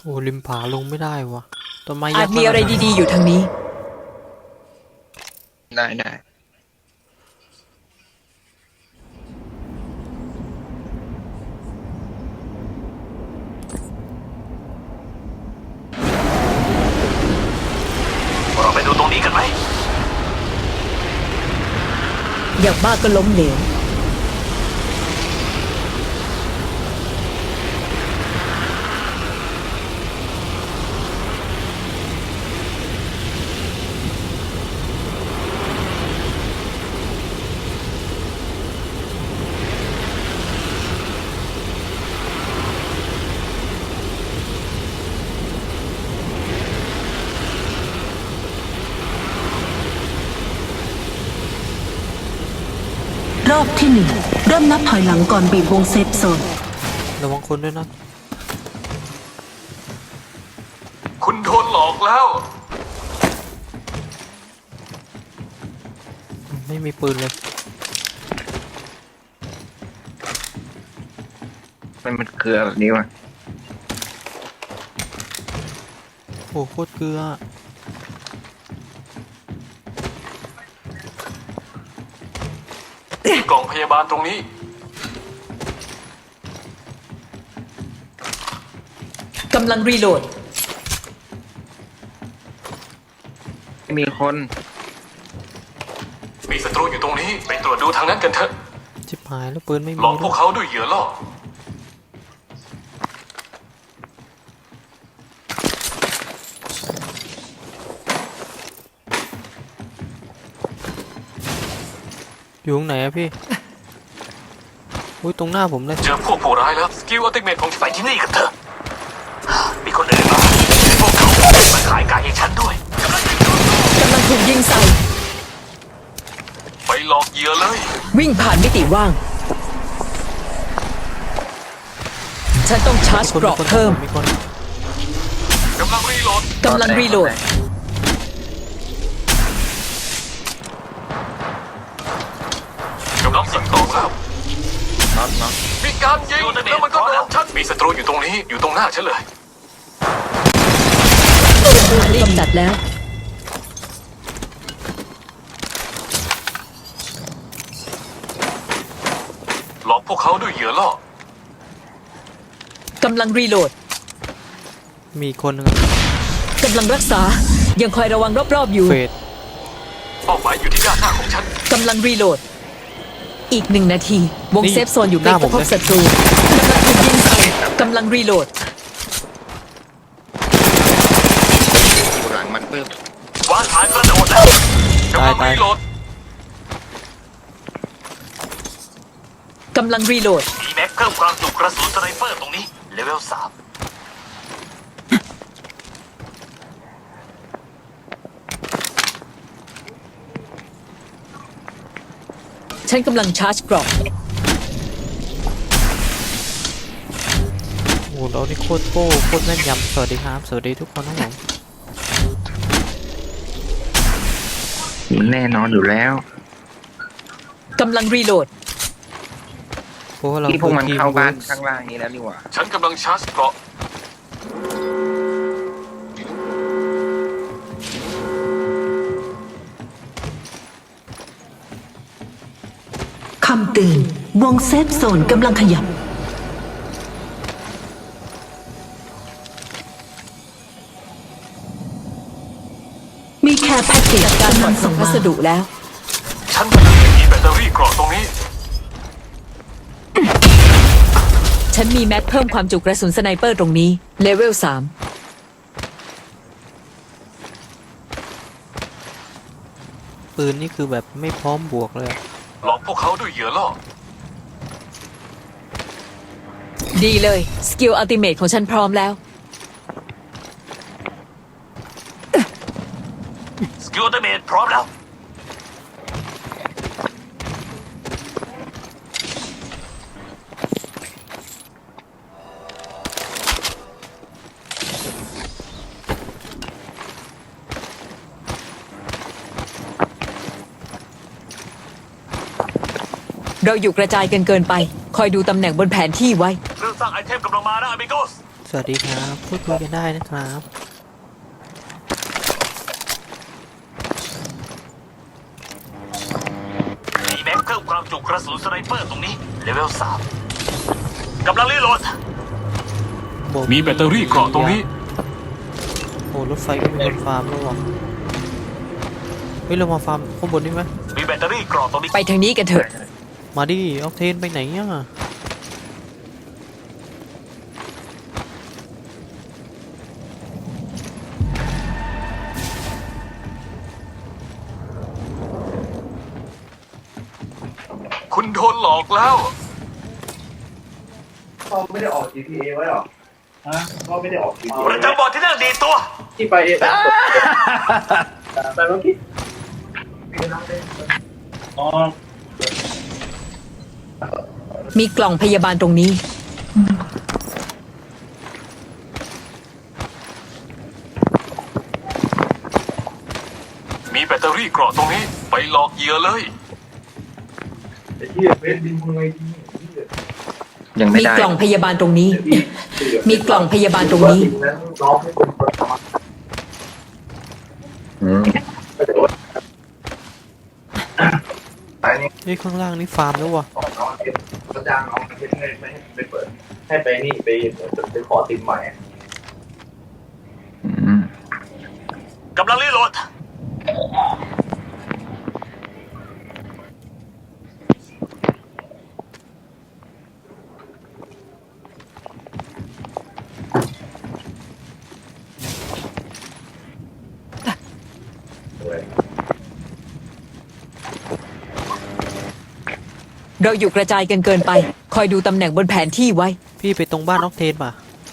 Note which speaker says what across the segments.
Speaker 1: โอ้ริมผาลงไม่ได้วะต้นไม้
Speaker 2: อาจ
Speaker 1: ยักษ์
Speaker 2: มีอะไรดีๆอยู่ทางนี้
Speaker 3: ได้เราไปดูตรงนี้กันไหม
Speaker 2: อย่างมากก็ล้มเหลว
Speaker 4: รอบที่ 1เริ่มนับถอยหลังก่อนบีบวงเซฟโซน
Speaker 1: ระวังคนด้วยนะ
Speaker 3: คุณโดนหลอกแล้ว
Speaker 1: ไม่มีปืนเลย
Speaker 3: มันเกลือแบบนี้วะ
Speaker 1: โอ้โคตรเกลือก
Speaker 3: ล่องพยาบาลตรงนี้
Speaker 2: กำลังรีโหลด
Speaker 3: มีคนมีศัตรูอยู่ตรงนี้ไปตรวจดูทางนั้นกันเถอะ
Speaker 1: ชิบหายแล้วปืนไม่มี
Speaker 3: หลอกพวกเขาด้วยเหยื่อล่อ
Speaker 1: อยู่ตรงไหนอะพี่อุ้ยตรงหน้าผมเลย
Speaker 3: เจอพวกผู้ร้ายแล้วสกิลอัลติเมทของไปที่นี่กันเถอะมีคนอื่นมาพวกเขามาขายไก่ให้ฉันด้วย
Speaker 2: กำลังถูกยิงใส่
Speaker 3: ไปหลอกเหยื่อเลย
Speaker 2: วิ่งผ่านมิติว่าง ฉันต้องชาร์จ
Speaker 1: คน
Speaker 2: เกราะเพิ่ม
Speaker 1: มีคน
Speaker 3: กำลังรีโหลด
Speaker 2: กำลังรีโหลด
Speaker 3: กำลังสั่งของแล้วมีการยิงแล้วมันก็โดนฉันมีศัตรูอยู่ตรงนี้อยู่ตรงหน้าฉันเลย
Speaker 2: กำจัดแล้ว
Speaker 3: หลอกพวกเขาด้วยเหยื่อล่อก
Speaker 2: ำลังรีโหลด
Speaker 1: มีคนหนึ่ง
Speaker 2: กำลังรักษา ยังคอยระวังรอบๆอยู่
Speaker 1: เฟด
Speaker 3: เป้าหมายอยู่ที่ด้านหน้าของฉัน
Speaker 2: กำลังรีโหลด อีก1 นาที วงเซฟโซนอยู่ใกล้กับพบศัตรูกำลังรีโหลด
Speaker 5: อยู่หลังมันปึ๊บ
Speaker 3: วางฐานกระโดดแล้วกำลังรีโหลด
Speaker 2: กำลังรีโหลด
Speaker 3: มีแม็กเพิ่มความจุกระสุนสไนเปอร์ตรงนี้เลเวล3
Speaker 2: ฉันกำลังชาร์จเกราะ
Speaker 1: โอ้เรานี่โคตรโป้โคตรแม่นยำสวัสดีครับสวัสดีทุกคนนะผม
Speaker 5: แน่นอนอยู่แล้ว
Speaker 2: กำลังรีโหลด
Speaker 1: เพราะว่าเรา
Speaker 5: ที่พวกมัน
Speaker 1: คือ
Speaker 5: เข้าบ้าน
Speaker 1: Teamworks
Speaker 5: ข้างล่างนี้แล้วนี่หว่า
Speaker 3: ฉันกำลังชาร์จเกราะ
Speaker 4: คำเตือนวงเซฟโซนกำลังขยับ มีแค่แพ็กเกจ
Speaker 2: การ
Speaker 4: กำ
Speaker 2: ข
Speaker 4: ลั
Speaker 2: น
Speaker 4: ง
Speaker 2: ส่
Speaker 4: ส่
Speaker 2: ง
Speaker 4: ง
Speaker 2: พั
Speaker 4: มา
Speaker 2: สดุแล้ว
Speaker 3: ฉันกำลังมีแบตเตอรี่เกราะตรงนี้
Speaker 2: ฉันมีแม็กเพิ่มความจุกระสุนสไนเปอร์ตรงนี้ เลเวล
Speaker 1: ปืนนี่คือแบบไม่พร้อมบวกเลยอะ
Speaker 3: หลอกพวกเขาด้วยเหยื่อล่อ
Speaker 2: 3 ดีเลย สกิลอัลติเมทของฉันพร้อมแล้ว
Speaker 3: สกิลเตอร์เมทพร้อมแล้ว
Speaker 2: เราอยู่กระจายกันเกินไป คอยดูตำแหน่งบนแผนที่ไว้
Speaker 3: เครื่องสร้างไอเทมกำลังมานะอเมโกส
Speaker 1: สวัสดีครับพูดคุยกันได้นะครับ
Speaker 3: มีแม็กเพิ่มความจุกระสุนสไนเปอร์ตรงนี้เลเวล3กำลังรีโหลด มีแบตเตอรี่เกราะตรงนี้
Speaker 1: โอ้รถไฟก็มีคนฟาร์มแล้ววะเฮ้ยเรามาฟาร์มข้างบนนี่ไหม
Speaker 3: มีแบตเตอรี่เกราะตรงนี้
Speaker 2: ไปทางนี้กันเถอะ
Speaker 1: มาดิออกเทนไปไหนอ่ะ
Speaker 3: คุณโดนหลอกแล้ว
Speaker 6: พ่อไม่ได้ออก GTA ไว้หรอฮะพ่อไม่ได้ออก GTA
Speaker 3: ประจำบอร์ดที่นั่งดีตัว
Speaker 6: ที่ไปแต่เมื่อกี้อ๋อ
Speaker 2: มีกล่องพยาบาลตรงนี้
Speaker 3: มีแบตเตอรี่เกราะตรงนี้ ไปหลอกเหยื่อเลย
Speaker 6: ไอ้ที่เฟซดินมึงไงที่
Speaker 5: ยังไม่
Speaker 2: มี
Speaker 5: ได้
Speaker 2: กล่องพยาบาลตรงนี้ มีกล่องพยาบาลตรงนี้
Speaker 6: น้องให้คนเปิดมา
Speaker 5: อืม
Speaker 6: ไอ้นี่
Speaker 1: เฮ้ยข้างล่างนี่ฟาร์มแล้ววะ
Speaker 6: น้องเก็บกระจางน้องเก็บไม่ให้ไปเปิดให้ไปนี่ไปขอติมใหม่
Speaker 5: อืม
Speaker 3: กำลังรีโหลด
Speaker 2: เราอยู่กระจายกันเกินไป คอยดูตำแหน่งบนแผนที่ไว้
Speaker 1: พี่ไปตรงบ้านออกเทนป่ะ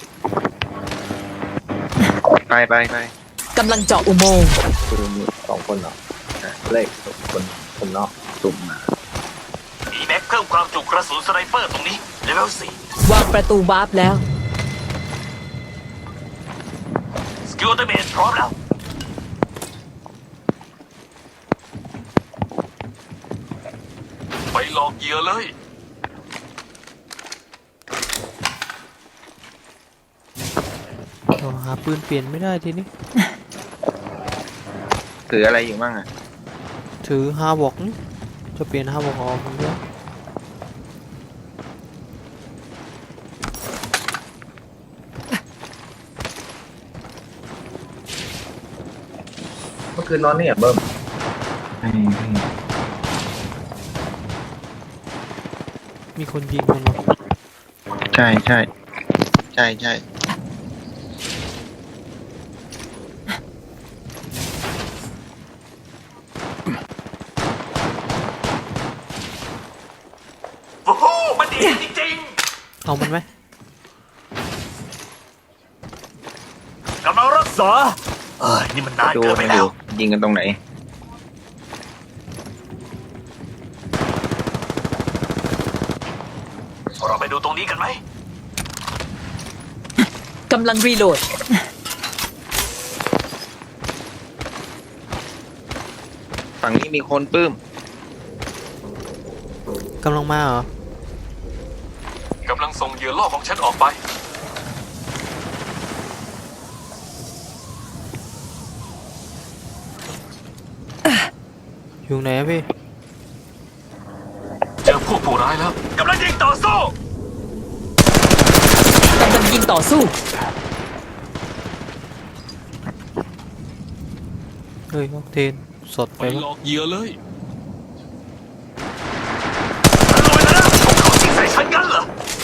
Speaker 5: ไป
Speaker 2: กำลังเจาะอุโมงค์
Speaker 6: คือมี2 คนเหรอเลขคนนอกสุ่มมา
Speaker 3: มีแม็กเพิ่มความจุกระสุนสไนเปอร์ตรงนี้เลเวล4
Speaker 2: วางประตูวาร์ปแล้ว
Speaker 3: สกิลอัลติเมทพร้อมแล้ว ไปหลอกเหยื่อเลย
Speaker 1: เราหาปืนเปลี่ยนไม่ได้ทีนี้
Speaker 5: ถืออะไรอยู่บ้างอ่ะ
Speaker 1: ถือฮาบอกนี่จะเปลี่ยนฮาบอกออกมันด้วย
Speaker 6: เมื่อคืนนอนนี่อ่ะเบิ้ม
Speaker 1: มีคนยิงมันเหรอ
Speaker 5: ใช่
Speaker 3: โอ้โห มันดีจริง
Speaker 1: เอามันไหม
Speaker 3: ๆ กำลังรักษา นี่มันนาน
Speaker 5: ดู
Speaker 3: เกินไป
Speaker 5: ให้
Speaker 3: แล้
Speaker 5: ดู
Speaker 3: ว
Speaker 5: ยิงกันตรงไหน
Speaker 3: เราไปดูตรงนี้กันไหม
Speaker 2: กำลังรีโหลด
Speaker 5: ฝั่งนี้มีคนปื้ม
Speaker 1: กำลังมาเหรอ
Speaker 3: กำลังส่งเหยื่อล่อของฉันออกไป
Speaker 1: อยู่ไหนอะพี่
Speaker 3: เจอพวกผู้ร้ายแล้ว กำลังยิงต่อสู้
Speaker 2: กำลังยิงต่อสู้
Speaker 1: เฮ้ยออกเทนสด
Speaker 3: ไป
Speaker 1: ไป
Speaker 3: หล
Speaker 1: ปะ
Speaker 3: อกเหยื่อเลยลอยแล้วนะพวกเขายิงใส่ฉันกันเหรอ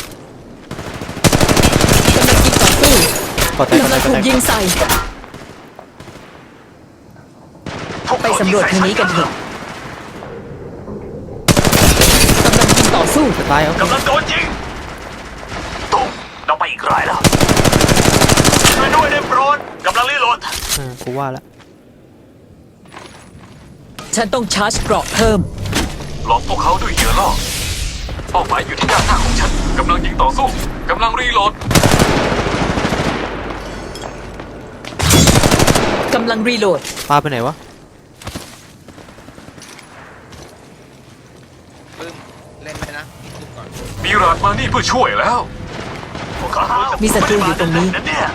Speaker 1: ขอแตก
Speaker 2: กำลังถูกยิงใส่
Speaker 3: พวก
Speaker 2: ไป
Speaker 3: เขา
Speaker 2: สำรวจทางนี้กันเถอะ กำลังยิงต่อสู้
Speaker 1: จะตายเอา
Speaker 3: กำลังโดนยิงตุ้มเราไปอีกรายแล้วช่วยด้วยได้โปรดกำลังรีโหลด
Speaker 1: กูว่าละ
Speaker 2: ฉันต้องชาร์จเกราะเพิ่ม
Speaker 3: หลอกพวกเขาด้วยเหยื่อล่อเป้าหมายอยู่ที่ด้านหน้าของฉันกำลังยิงต่อสู้กำลังรีโหลด
Speaker 2: กำลังรีโหลด
Speaker 1: ปาไปไหนวะ
Speaker 5: ปื้ม เล่นไหมนะดูก่อน
Speaker 3: มีราดมานี่เพื่อช่วยแล้ว พวก
Speaker 2: มีศัตรูอยู่ตรงนี้
Speaker 3: นั่นเนี่ย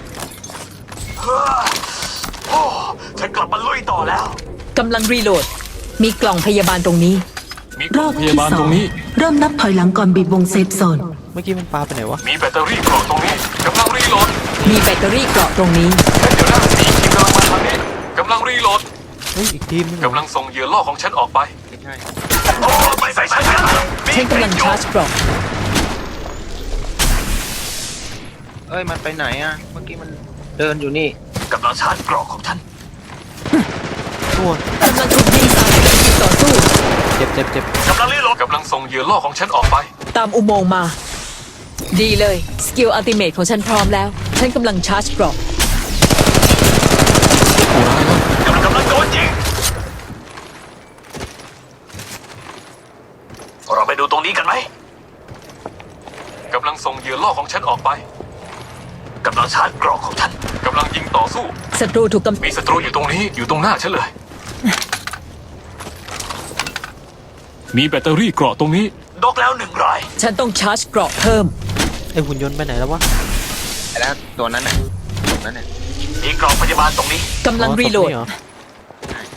Speaker 3: โอ้ฉันกลับมาลุยต่อแล้ว
Speaker 2: กำลังรีโหลด มีกล่องพยาบาลตรงนี้
Speaker 3: มีก
Speaker 4: ร
Speaker 3: ล่อ
Speaker 4: อง บ
Speaker 3: พ
Speaker 4: ที่
Speaker 3: ยาบาล
Speaker 4: สอ
Speaker 3: ตรง งนี้
Speaker 4: เริ่มนับถอยหลังก่อนบีบวงเซฟโซน
Speaker 1: เมื่อกี้มันปลาไปไหนวะ
Speaker 3: มีแบตเตอรี่กล่องตรงนี้กำลังรีโหลด
Speaker 2: มีแบตเตอรี่เกราะตรงนี้
Speaker 3: เดี๋ยวนะมีทีมกำลังมาทางนี้กำลังรีโหลด
Speaker 1: เฮ้ยอีกทีมนึง
Speaker 3: กำลังส่งเหยื่อล่อของฉันออกไป
Speaker 5: ไม่ใช่
Speaker 3: โอ้ไม่ใส่ฉันนะ
Speaker 2: ฉันกำลังชาร์จเกราะ
Speaker 5: เอ้ยมันไปไหนอ่ะ เมื่อกี้มันเดินอยู่นี่
Speaker 3: กำลังชาร์จกล่องของฉัน
Speaker 1: ตัว
Speaker 2: กำลังถูกยิงใส่ยิงต่อสู้
Speaker 1: เจ็บเจ็บเจ็บ
Speaker 3: กำลังรีโหลดกำลังส่งเหยื่อล่อของฉันออกไป
Speaker 2: ตามอุโมงค์มา ดีเลย สกิลอัลติเมทของฉันพร้อมแล้ว ฉันกำลังชาร์จเกราะ
Speaker 3: กำลังโดนยิงเราไปดูตรงนี้กันไหมกำลังส่งเหยื่อล่อของฉันออกไปกำลังชาร์จกล่องของฉันกำลังยิงต่อสู้
Speaker 2: ศัตรูถูกกำ
Speaker 3: มีศัตรูอยู่ตรงนี้อยู่ตรงหน้าฉันเลย มีแบตเตอรี่เกราะตรงนี้ดอกแล้ว1 ราย
Speaker 2: ฉันต้องชาร์จเกราะเพิ่ม
Speaker 1: ไอหุ่นยนต์ไปไหนแล้ววะ
Speaker 5: ไอ้แล้วตัวนั้นน่ะตรงนั้นน่ะ
Speaker 3: มีกล่องพยาบาลตรงนี้
Speaker 2: กำลังรีโหลด
Speaker 1: อ๋อศพนี่เรอ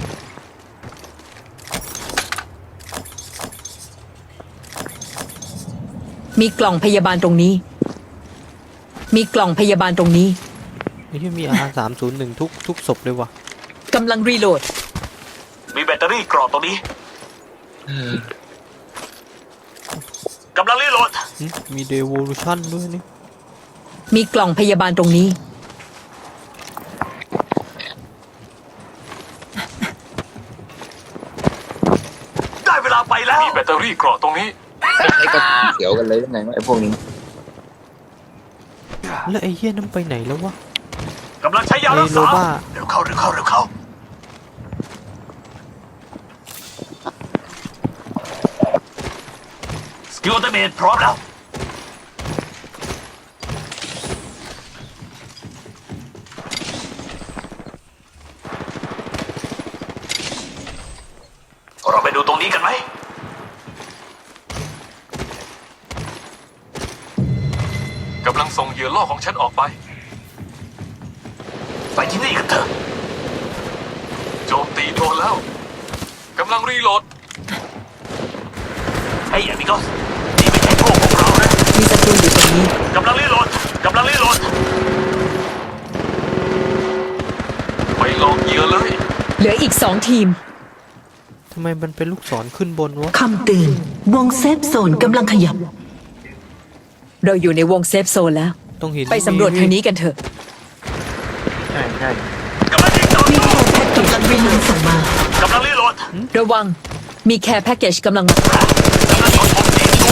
Speaker 2: มีกล่องพยาบาลตรงนี้ มีกล่องพยาบาลตรงนี้
Speaker 1: ไอ้ที่มีR301ทุกศพเลยวะ
Speaker 2: กำลังรีโหลด
Speaker 3: มีแบตเตอรี่เกราะตรงนี้กำลังรีโหลด
Speaker 1: หึมี Devolution ด้วยนี่
Speaker 2: มีกล่องพยาบาลตรงนี้
Speaker 3: ได้เวลาไปแล้วมีแบตเตอรี่เกราะตรงนี้
Speaker 5: ไอ้ก็เขียวกันเลยยังไงวะไอ้พวกนี้
Speaker 1: แล้วไอ้เหี้ยนั่นไปไหนแล้ววะ
Speaker 3: กำลังใช้ยารัก
Speaker 1: ไอ้โล
Speaker 3: ษา
Speaker 1: บ้า
Speaker 3: เร็วเข้าเร็วเข้าเร็วเข้าสกิลอัลติเมทพร้อมแล้วเราไปดูตรงนี้กันไหมกำลังส่งเหยื่อล่อของฉันออกไป ไปที่นี่กันเถอะโจมตีโดนแล้วกำลังรีโหลดไอ้อามิโกสนี่ไม่ใช่พวกของเรานะ
Speaker 2: มีศัตรูอยู่ตรงนี้
Speaker 3: กำลังรีโหลดกำลังรีโหลดไปหลอกเหยื่อเลย
Speaker 2: เหลืออีก2 ทีม
Speaker 1: ทำไมมันเป็นลูกศรขึ้นบนวะ
Speaker 4: คำเตือนวงเซฟโซนกำลังขยับ
Speaker 2: เราอยู่ในวงเซฟโซนแล้ว
Speaker 1: ต้องเห็น
Speaker 2: ไปสำรวจทางนี้กันเถอะ
Speaker 5: ใช่ใช่
Speaker 3: กำลังยิงต่อ
Speaker 4: มี
Speaker 3: สู้
Speaker 4: โปรแพ็กเกจกำลังส่งมา
Speaker 3: กำลังรีโหลด
Speaker 2: ระวัง มีแคร์แพ็กเกจกำลังมา
Speaker 3: กำลังโดนผมตีตัว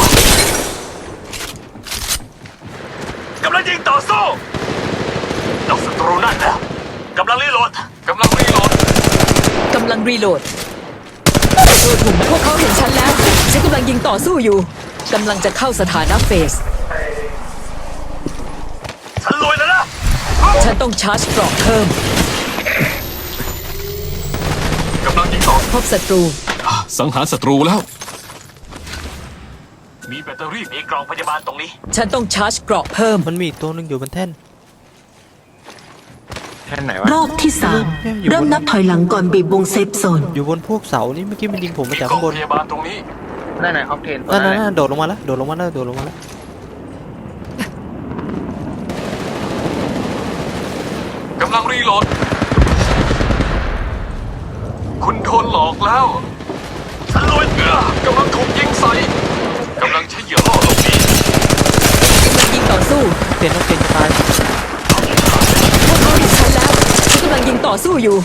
Speaker 3: กำลังยิงต่อสู้นอกศัตรูนั่นแล้วกำลังรีโหลดกำลังรีโหลด
Speaker 2: กำลังรีโหลดศัตรูถูกพวกเขาเห็นฉันแล้ว ฉันกำลังยิงต่อสู้อยู่ กำลังจะเข้าสถานะเฟส
Speaker 3: ฉันรวยแล้วนะ
Speaker 2: ฉันต้องชาร์จเกราะเพิ่ม
Speaker 3: กำลังยิงต่อ
Speaker 2: พบศัตรู
Speaker 3: สังหารศัตรูแล้ว มีแบตเตอรี่มีกล่องพยาบาลตรงนี้
Speaker 2: ฉันต้องชาร์จเกราะเพิ่ม
Speaker 1: มันมีอีกตัวหนึงอยู่บนแท่น
Speaker 5: แค่ไหนวะ
Speaker 4: รอบที่สามเริ่มนับถอยหลังก่อนบีบวงเซฟโซน
Speaker 1: อยู่บนพวกเสานี่เมื่อกี้มันยิงผมมาจาก
Speaker 3: กล่อ
Speaker 1: ข้าง งบน
Speaker 3: พยาบาลตรงนี้
Speaker 5: นั่นไหนออกเทนตัว
Speaker 1: นั่น
Speaker 5: นั้น
Speaker 1: นั่
Speaker 5: น่ะ
Speaker 1: นโดดลงมาแล้วโดดลงมาแล้วโดดลงมาแล้ว
Speaker 3: กำลังรีโหลด คุณโดนหลอกแล้ว ฉันรวยกำลังถูกยิงใส่กำลังใช้เหยื่อล่อหลบหนี
Speaker 2: กำลังยิงต่อสู้
Speaker 1: เต็นต้องเต็นจะตาย
Speaker 2: พวกเขาเห็นฉันแล้ว ฉันกำลังยิงต่อสู้อยู่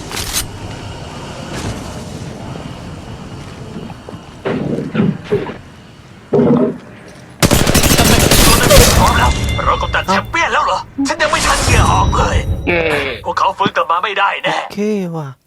Speaker 3: พร้อมแล้วเรากำจัดแชมเปี้ยนแล้วเหรอ ฉันยังไม่ทันเหยื่อออกเลย
Speaker 5: เย้
Speaker 3: พวกเขาฟื้นกลับมาไม่ได้แน่
Speaker 1: โอเคว่ะ